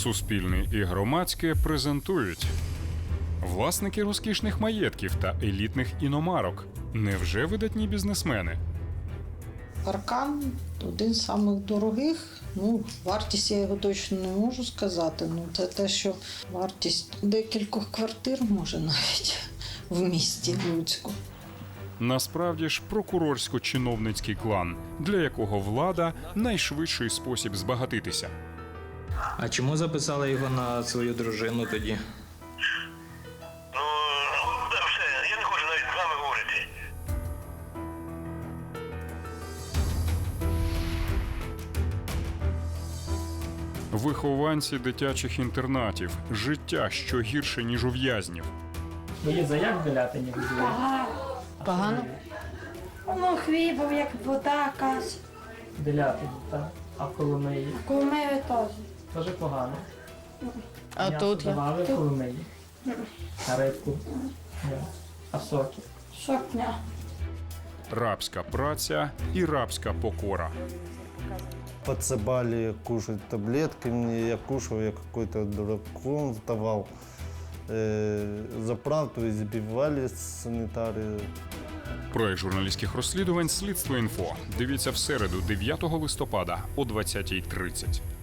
Суспільне і громадське презентують власники розкішних маєтків та елітних іномарок. Невже видатні бізнесмени? Паркан один з самих дорогих. Вартість я його точно не можу сказати. Це те, що вартість декількох квартир може навіть в місті Луцьку. Насправді ж прокурорсько-чиновницький клан, для якого влада – найшвидший спосіб збагатитися. А чому записали його на свою дружину тоді? Все, я не хочу навіть з вами говорити. Вихованці дитячих інтернатів. Життя, що гірше, ніж у в'язнів. Ви є заяк Делятині? Погано? Хлібом, як вода, каш. Делятині, так? А в Коломиї? Кумири теж. Теж погано. А М'ясо тут я? давали в Коломиї? А рибку? Ні. А соки? Шокня. Рабська праця і рабська покора. Подсыпали кушать таблетки мне, я кушал, я какой-то дураком вставал. Заправду избивали санитары. Проект журналістських розслідувань «Слідство.Інфо». Дивіться в середу, 9 листопада о 20:30.